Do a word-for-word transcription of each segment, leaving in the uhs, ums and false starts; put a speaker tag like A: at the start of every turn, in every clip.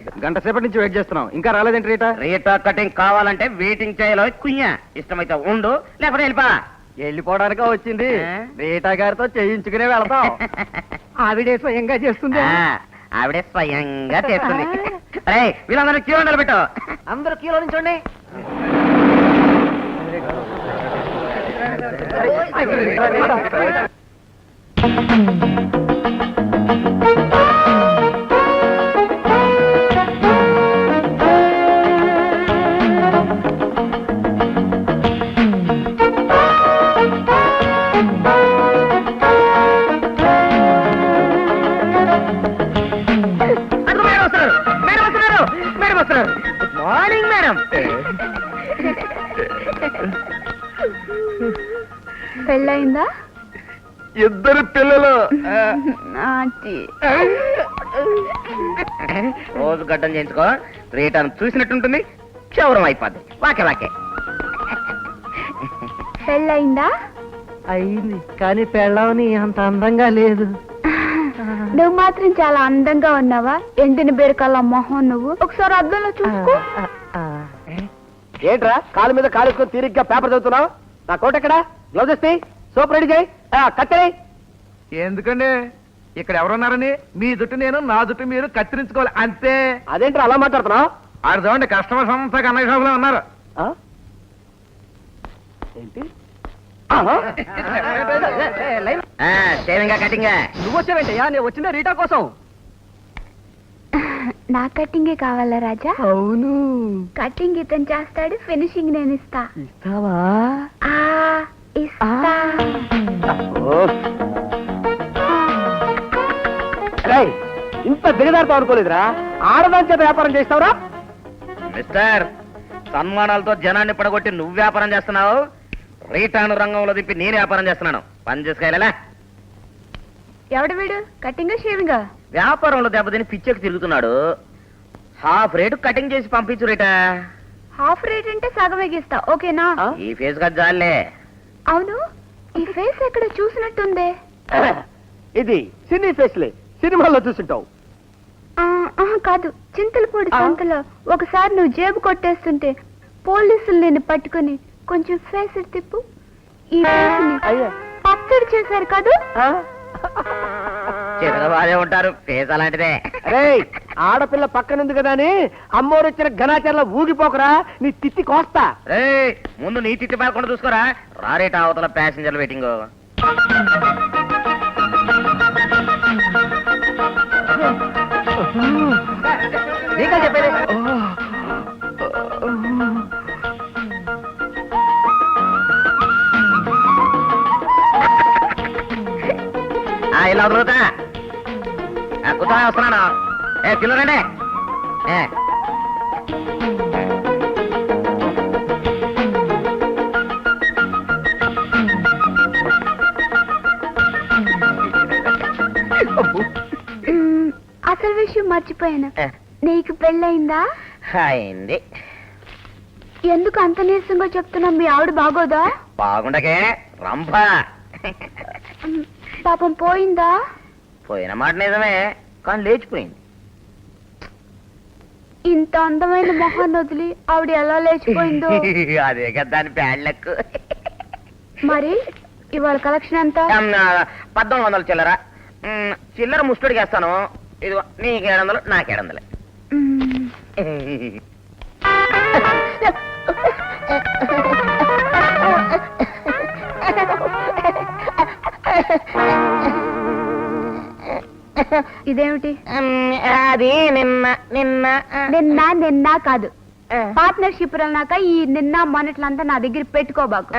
A: గంట సేపటి నుంచి వెయిట్ చేస్తున్నాం, ఇంకా రాలేదేంటి రీటా?
B: రీటా కటింగ్ కావాలంటే వెయిటింగ్ చేయాలో కుయ్యా, ఇష్టమైతే ఉండు లేకపోతే వెళ్ళిపా.
A: వెళ్ళిపోవడానికే వచ్చింది. రీటా గారితో చేయించుకునే వెళతాం. ఆవిడే స్వయంగా చేస్తుంది.
B: ఆవిడే స్వయంగా చేస్తుంది. అరే వీళ్ళందరూ క్యూ నిలబెట్టు.
A: అందరూ క్యూలో నుంచోండి.
B: Morning madam.
C: పెళ్ళయిందా?
A: ఇద్దరు పిల్లలు.
B: రోజు గడ్డం చేయించుకో, రీటాను చూసినట్టుంటుంది, క్షౌరం అయిపోద్ది. వాకే వాకే.
C: పెళ్ళయిందా?
A: అయింది, కానీ పెళ్ళవని అంత అందంగా లేదు.
C: నువ్వు మాత్రం చాలా అందంగా ఉన్నావా? ఎండిన బీరకాల మొహం నువ్వు. ఒకసారి అద్దంలో చూసుకో.
A: ఏంట్రా కాలు మీద కాలుసుకొని తీరిగ్గా పేపర్ చదువుతున్నావు? నా కోట ఎక్కడ? గ్లౌజ్ ఇస్తే సోప్ రెడీ చేయి, కత్తెరై. ఎందుకండి ఇక్కడ ఎవరున్నారని? మీ జుట్టు నేను, నా జుట్టు మీరు కత్తిరించుకోవాలి అంతే. అదేంటి అలా మాట్లాడుతున్నావు? ఆడు చూడండి, కస్టమర్స్ అంతా కన్నయ్య షాప్ లో ఉన్నారు. ఏంటి
B: కటింగ్?
A: నువ్వు వచ్చావేంటయ్యా? నేను వచ్చిందే రీటా కోసం.
C: నా కటింగే కావాలా రాజా?
A: అవును.
C: కటింగ్ ఇతను చేస్తాడు, ఫినిషింగ్ నేను ఇస్తా.
A: ఇస్తావా?
C: ఆ ఇస్తా.
A: ఇంత దిగదారుతో అనుకోలేదురా. ఆడదాని చేత వ్యాపారం చేస్తావురా?
B: మిస్టర్, సన్మానాలతో జనాన్ని పడగొట్టి నువ్వు వ్యాపారం చేస్తున్నావు, రీటాను రంగంలో దిప్పి నేను వ్యాపారం చేస్తున్నాను. పని చేసుకెళ్ళా.
C: ఎవడు వీడు? Cutting shaving?
B: వ్యాపారంలో దెబ్బతిని పిచ్చెక్కి తిరుగుతున్నాడు. హాఫ్ రేటు కటింగ్ చేసి పంపించు రీటా.
C: హాఫ్ రేట్ అంటే సగం ఎగిస్తా, ఓకేనా?
B: ఈ ఫేస్ కదా జాలే.
C: అవును, ఈ ఫేస్ ఎక్కడ చూసినట్టుందే.
A: ఇది సినీ ఫేస్లే, సినిమాల్లో చూసుంటావు.
C: కాదు, చింతలపూడి సంతలో ఒకసారి నువ్వు జేబు కొట్టేస్తుంటే పోలీసులు నిన్ను పట్టుకుని కొంచెం ఫేస్ తిప్పు, ఈ ఫేస్ ని పచ్చడి చేశారు కాదు?
B: చిన్నగా బాధే ఉంటారు, ఫేస్ అలాంటిదే.
A: ఆడపిల్ల పక్కనుంది కదా అని అమ్మోరు వచ్చిన ఘనాచారంలో ఊగిపోకరా, నీ తిత్తి కోస్తా.
B: రే ముందు నీ తిత్తి పారకుండా చూసుకోరా. రారేట అవతల ప్యాసింజర్లు వెయిటింగ్.
A: నీకా చెప్పేది.
B: ఇలా వదులుతా కుతా వస్తున్నాను. ఏ పిల్లరండి.
C: అసలు విషయం మర్చిపోయాను, నీకు పెళ్ళయిందా?
B: అయింది.
C: ఎందుకు అంత నీరసంగా చెప్తున్నా? మీ ఆవిడ బాగోదా?
B: బాగుండకే రంభ.
C: పాపం పోయిందా?
B: పోయిన మాట నిజమే, కానీ లేచిపోయింది.
C: ఇంత అందమైన మొహాన్ని వదిలి ఆవిడ ఎలా లేచిపోయిందో.
B: అదే కదా దాని ప్యాడ్లకు.
C: మరి ఇవాళ కలెక్షన్ ఎంత?
B: పద్నాలుగు వందలు చిల్లర. చిల్లర ముస్టుడికి వేస్తాను. ఇదిగో నీకు ఏడు వందలు, నాకు ఏడు వందలే.
C: ఇదేమిటి?
B: అది నిన్న నిన్న
C: నిన్న నిన్న కాదు, పార్ట్నర్షిప్ అన్నాక ఈ నిన్న మొన్నట్లంతా నా దగ్గర పెట్టుకోబాకు.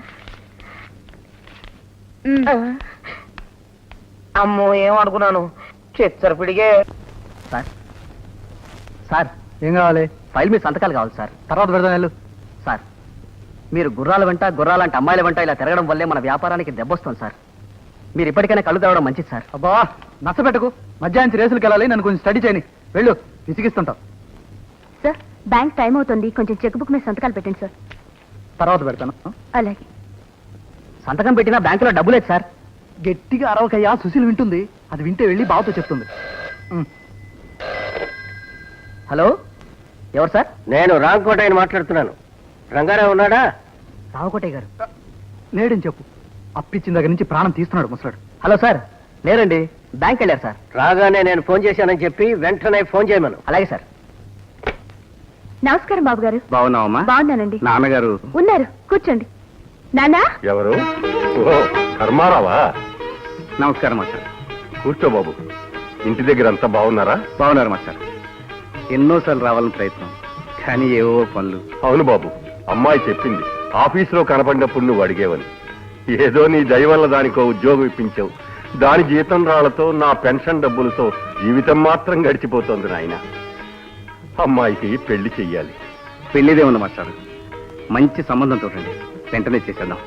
B: అమ్మో ఏం అనుకున్నాను, చిచ్చరపిడిగే.
A: సార్ సార్ ఏం కావాలి? ఫైల్ మీద సంతకాలు కావాలి సార్. తర్వాత పెడదాం వెళ్ళు. సార్ మీరు గుర్రాల వెంట గుర్రాలంటే అమ్మాయిల వెంట ఇలా తిరగడం వల్లే మన వ్యాపారానికి దెబ్బొస్తుంది సార్. మీరు ఇప్పటికైనా కళ్ళు తేవడం మంచిది సార్. అబ్బా నచ్చబెట్టకు, మధ్యాహ్నం రేసులకు వెళ్ళాలి, నన్ను కొంచెం స్టడీ చేయని. వెళ్ళు, విసిగిస్తుంటావు.
C: సార్ బ్యాంక్ టైం అవుతుంది, కొంచెం చెక్ బుక్ మీద సంతకాలు పెట్టండి సార్.
A: తర్వాత పెడతాను.
C: అలాగే.
A: సంతకం పెట్టినా బ్యాంకులో డబ్బు లేదు సార్. గట్టిగా అరవకయ్యా, సుశీల్ వింటుంది. అది వింటే వెళ్ళి బావతో చెప్తుంది. హలో ఎవరు సార్?
D: నేను రాంకోటయ్యని మాట్లాడుతున్నాను. రంగారావు ఉన్నాడా?
A: రావుకోటయ్య గారు లేడని చెప్పు. అప్పిచ్చిన దగ్గర నుంచి ప్రాణం తీస్తున్నాడు ముసలాడు. హలో సార్, లేరండి, బ్యాంక్ వెళ్ళారు సార్.
D: రాగానే నేను ఫోన్ చేశానని చెప్పి వెంటనే ఫోన్ చేయమను.
A: అలాగే సార్.
C: నమస్కారం బాబు గారు.
B: బాగున్నావమ్మా?
C: బాగున్నానండి.
B: నాన్నగారు
C: ఉన్నారు, కూర్చోండి. నానా
E: ఎవరు? ఓ ధర్మారావా?
B: నమస్కారం మాస్టర్.
E: కూర్చో బాబు. ఇంటి దగ్గర అంతా బాగున్నారా?
B: బాగున్నారు మాస్టర్. ఎన్నోసార్లు రావాలని ప్రయత్నం, కానీ ఏవో పనులు.
E: అవును బాబు, అమ్మాయి చెప్పింది ఆఫీసులో కనపడినప్పుడు నువ్వు అడిగేవని. ఏదో నీ దయ వల్ల దానికో ఉద్యోగం ఇప్పించావు. దాని జీతం రాళ్లతో నా పెన్షన్ డబ్బులతో జీవితం మాత్రం గడిచిపోతోంది నాయన. అమ్మాయికి పెళ్లి చెయ్యాలి.
B: పెళ్లిదే ఉంది మాస్టర్. మంచి సంబంధం చూడండి, వెంటనే చేసేద్దాం.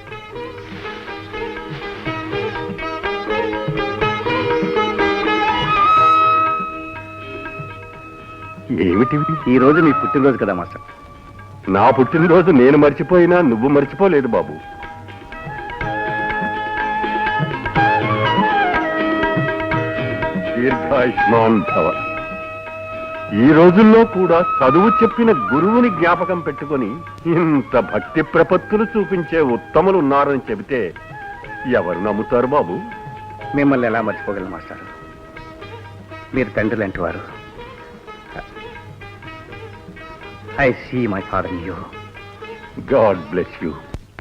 E: ఏమిటివి?
B: ఈ రోజు మీ పుట్టినరోజు కదా మాస్టర్.
E: నా పుట్టినరోజు నేను మర్చిపోయినా నువ్వు మర్చిపోలేదు బాబు. దీర్ఘాయుష్మాన్ భవ. ఈ రోజుల్లో కూడా చదువు చెప్పిన గురువుని జ్ఞాపకం పెట్టుకొని ఇంత భక్తి ప్రపత్తులు చూపించే ఉత్తములు ఉన్నారని చెబితే ఎవరు నమ్ముతారు బాబు?
B: మిమ్మల్ని ఎలా మర్చిపోగలను మాస్టర్? మీరు తండ్రి లాంటి వారు. I see my father in you.
E: God bless you.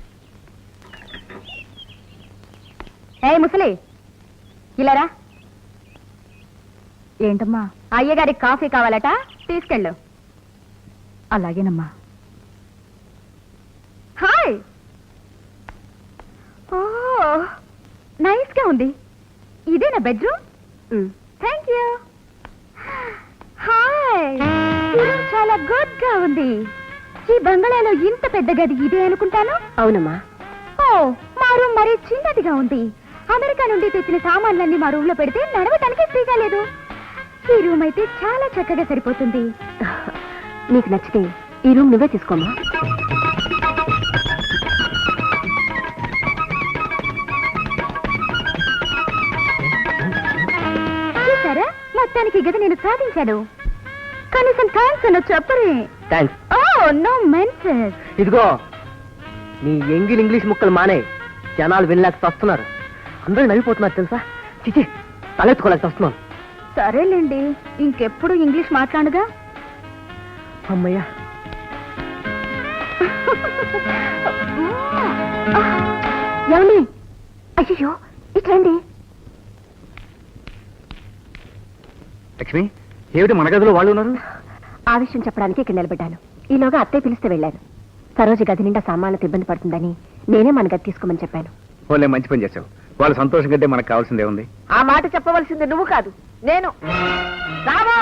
C: ఏ ముసలి, ఇలారా. ఏంటమ్మా? అయ్యగారికి కాఫీ కావాలట, తీసుకెళ్ళు. అలాగేనమ్మా. హాయ్. ఓ నైస్ గా ఉంది. ఇదేనా బెడ్రూమ్? Thank you. హాయ్, చాలా గుడ్ గా ఉంది. ఈ బంగళాలో ఇంత పెద్ద గది ఇదే అనుకుంటాను. అవునమ్మా. ఓ మా రూమ్ మరీ చిన్నదిగా ఉంది. అమెరికా నుండి తెచ్చిన సామాన్లన్నీ మా రూమ్ లో పెడితే నడవటానికి ఫ్రీగా లేదు. ఈ రూమ్ అయితే చాలా చక్కగా సరిపోతుంది. నీకు నచ్చితే ఈ రూమ్ నువ్వే తీసుకోమా. చూసారా, మొత్తానికి ఈ గది నేను సాధించాను. కనీసం థ్యాంక్స్ అన్న చెప్పరే.
A: థ్యాంక్స్.
C: Oh no menses.
A: ఇదిగో నీ ఎంగిల్ ఇంగ్లీష్ ముక్కలు మానే. జనాలు వినలేక వస్తున్నారు. అందరూ నవ్విపోతున్నారు తెలుసా. చిచి, తలెత్తుకోలేక వస్తున్నాను.
C: సరేలేండి, ఇంకెప్పుడు ఇంగ్లీష్ మాట్లాడగా.
A: అమ్మయ్యా.
C: ఏమండి? అయ్యో ఇట్లండి.
B: లక్ష్మి, ఏమిటి మన గదిలో వాళ్ళు ఉన్నారు?
C: ఆ విషయం చెప్పడానికి ఇక్కడ నిలబడ్డాను. ఈలోగా అత్తయ్య పిలిస్తే వెళ్ళాను. సరోజు గది నిండా సామాన్లతో ఇబ్బంది పడుతుందని నేనే మన గది తీసుకోమని చెప్పాను.
B: వాళ్ళే మంచి పని చేశావు. వాళ్ళ సంతోషం కంటే మనకు కావాల్సిందే ఉంది.
F: ఆ మాట చెప్పవలసింది నువ్వు కాదు, నేను. రాము,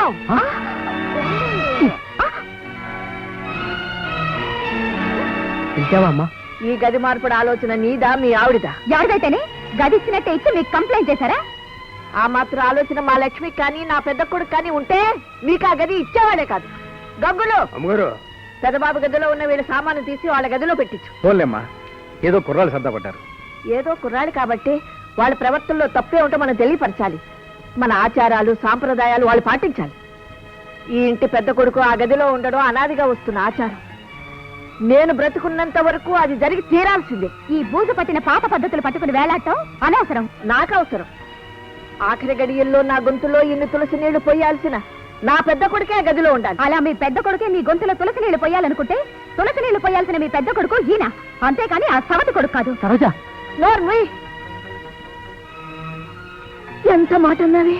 A: పిలిచావా అమ్మా?
F: ఈ గది మార్పుడు ఆలోచన నీదా మీ ఆవిడదా?
C: ఎవరిదైతేనే గది ఇచ్చినట్టే ఇచ్చి మీకు కంప్లైంట్ చేశారా?
F: ఆ మాత్రం ఆలోచన మా లక్ష్మికి కానీ నా పెద్ద కొడుకు కానీ ఉంటే మీకు ఆ గది ఇచ్చేవాడే కాదు. గంగులు,
B: అమ్మగారు,
F: పెద్దబాబు గదిలో ఉన్న వీళ్ళ సామాను తీసి వాళ్ళ గదిలో పెట్టించు.
B: పోలేమ్మా, ఏదో కుర్రాళ్ళు సర్దపడ్డారు.
F: ఏదో కుర్రాడు కాబట్టి వాళ్ళ ప్రవర్తనలో తప్పే ఉంటే మనం తెలియపరచాలి. మన ఆచారాలు సాంప్రదాయాలు వాళ్ళు పాటించాలి. ఈ ఇంటి పెద్ద కొడుకు ఆ గదిలో ఉండడం అనాదిగా వస్తున్న ఆచారం. నేను బ్రతుకున్నంత వరకు అది జరిగి తీరాల్సిందే.
C: ఈ బూజు పట్టిన పాత పద్ధతులు పట్టుకుని వేలాడటం అనవసరం.
F: నాకు అవసరం. ఆఖరి గడియల్లో నా గొంతులో ఇన్ని తులసి నీళ్లు పోయాల్సిన నా పెద్ద కొడుకే ఆ గదిలో ఉండాలి.
C: అలా మీ పెద్ద కొడుకే మీ గొంతులో తులసి నీళ్లు పోయాలనుకుంటే తులసి నీళ్లు పోయాల్సిన మీ పెద్ద కొడుకు ఈయన, అంతేకాని ఆ సవతి కొడుకు కాదు.
A: సరోజా,
F: నోర్మయ్, ఎంత మాట అన్నవి.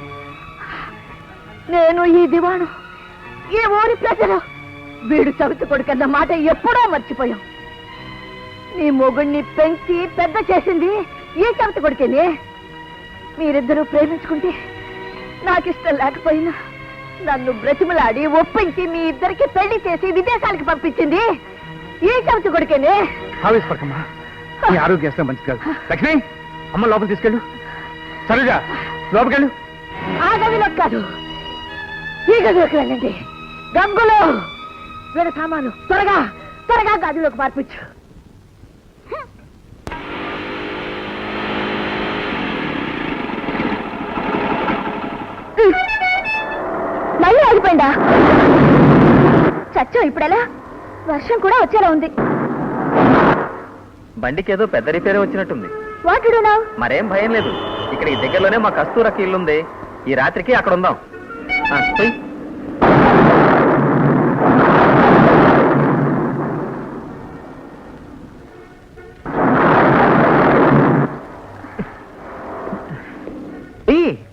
F: నేను ఈ దివాణం, ఈ ఊరి ప్రజలు వీడు సవితి కొడుకన్న మాట ఎప్పుడో మర్చిపోయాం. నీ మొగుణ్ణి పెంచి పెద్ద చేసింది ఈ సవితి కొడుకేనే. మీరిద్దరూ ప్రేమించుకుంటే నాకిష్టం లేకపోయినా నన్ను బ్రతిమలాడి ఒప్పించి మీ ఇద్దరికి పెళ్లి చేసి విదేశాలకు పంపించింది ఈ సవితి కొడుకేనే.
B: ఆవేశపడకమ్మా, నీ ఆరోగ్యం అసలు మంచిది కాదు. లక్ష్మి, అమ్మ లోపల తీసుకెళ్ళు. సరేజా, లోపలికెళ్ళు.
F: ఆ గదిలో కాదు, ఈ గదిలోకి వెళ్ళండి. గంగులు, వీడ సామాను త్వరగా త్వరగా గదిలోకి మార్పించు.
C: మళ్ళీ ఆగిపోయిందా? చచ్చో ఇప్పుడెలా? వర్షం కూడా వచ్చేలా ఉంది.
B: బండికి ఏదో పెద్ద రిపేర్ వచ్చినట్టుంది.
C: What do now?
B: మరేం భయం లేదు. ఇక్కడికి దగ్గరలోనే మా కస్తూరకి ఇల్లుంది. ఈ రాత్రికి అక్కడ ఉందాం. ఆ, పోయ్. ఈ.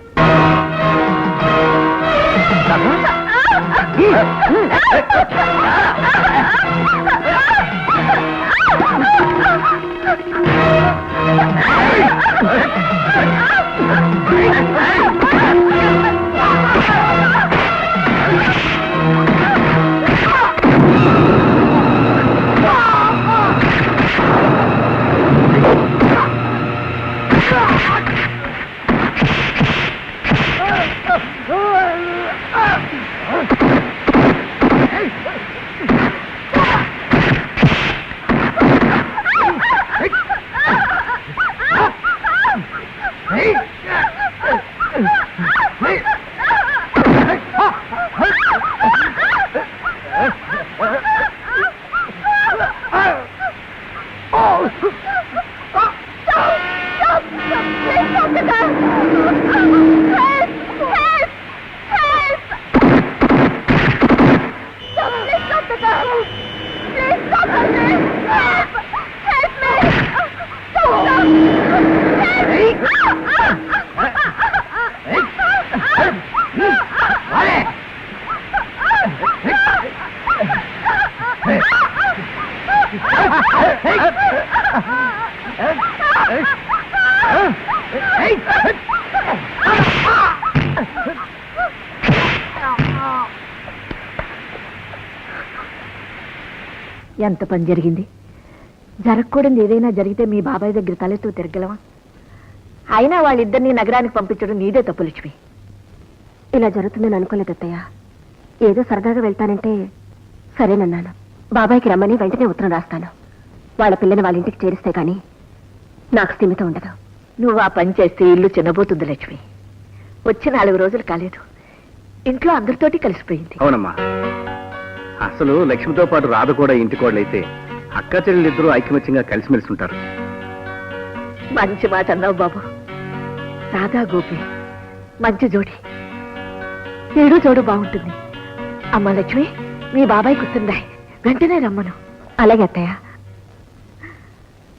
F: ఎంత పని జరిగింది? జరగకూడదు ఏదైనా జరిగితే మీ బాబాయ్ దగ్గర తలెత్తు తిరగలవా? అయినా వాళ్ళిద్దరినీ నగరానికి పంపించడం నీదే తప్పు లక్ష్మి.
C: ఇలా జరుగుతుందని అనుకోలేదు అత్తయ్య. ఏదో సరదాగా వెళ్తానంటే సరేనన్నాను. బాబాయ్కి రమ్మని వెంటనే ఉత్తరం రాస్తాను. వాళ్ళ పిల్లని వాళ్ళ ఇంటికి చేరిస్తే గాని నాకు స్థిమితం ఉండదు.
F: నువ్వు ఆ పని చేస్తే ఇల్లు చిన్నబోతుంది లక్ష్మి. వచ్చి నాలుగు రోజులు కాలేదు, ఇంట్లో అందరితోటి కలిసిపోయింది.
G: అవునమ్మా, అసలు లక్ష్మితో పాటు రాధ కూడా ఇంటి కోడలైతే అక్క చెల్లెలిద్దరూ ఐకమత్యంగా కలిసిమెలిసి ఉంటారు.
F: మంచి మాట అన్నావు బాబు. రాధా గోపి మంచి జోడి, ఏడు జోడు బాగుంటుంది. అమ్మ లక్ష్మి, మీ బాబాయ్ కూర్చుందా? వెంటనే రమ్మను.
C: అలాగే అత్తయ్య.